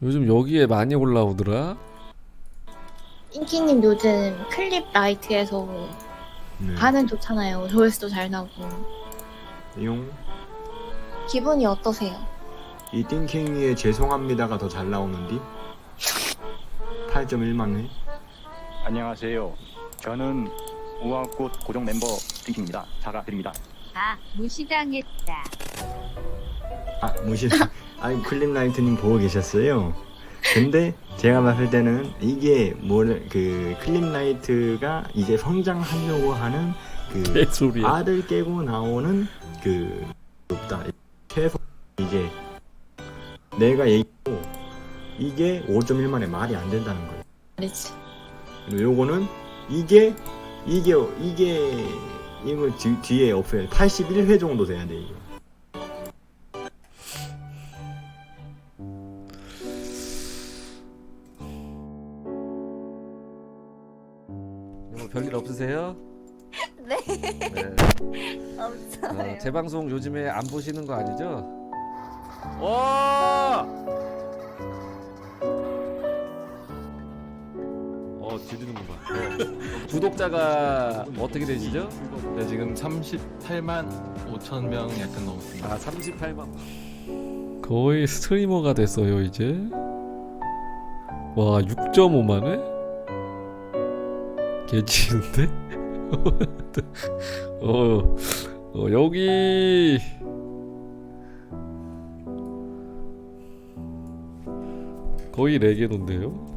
요즘 여기에 많이 올라오더라. 인기님 요즘 클립 라이트에서 네. 반응 좋잖아요. 조회수도 잘 나오고. 용. 기분이 어떠세요? 이 띵킹이의 죄송합니다가 더 잘 나오는디? 8.1만 회. 안녕하세요. 저는 우아꽃 고정 멤버 띵킹입니다. 사과드립니다. 아, 무시당했다. 아, 무시. 아니, 클립라이트님 보고 계셨어요. 근데 제가 봤을 때는 이게 그 클립라이트가 이제 성장하려고 하는 그 개소리야. 알을 깨고 나오는 그 높다. 최소 이제 내가 얘기하고 이게 5.1만에 말이 안 된다는 거예요. 그렇지. 그리고 요거는 이게 이거 뒤에 없어요. 81회 정도 돼야 돼 이거. 뭐 별일 없으세요? 네, 네. 없어요. 제 방송 요즘에 안 보시는 거 아니죠? 와! 들리는구나. 구독자가 어떻게 되시죠? 네, 지금 38만 5천 명 약간 넘습니다. 아, 38만. 거의 스트리머가 됐어요 이제. 와, 6.5만에? 개치는데? 여기 거의 레게노인데요?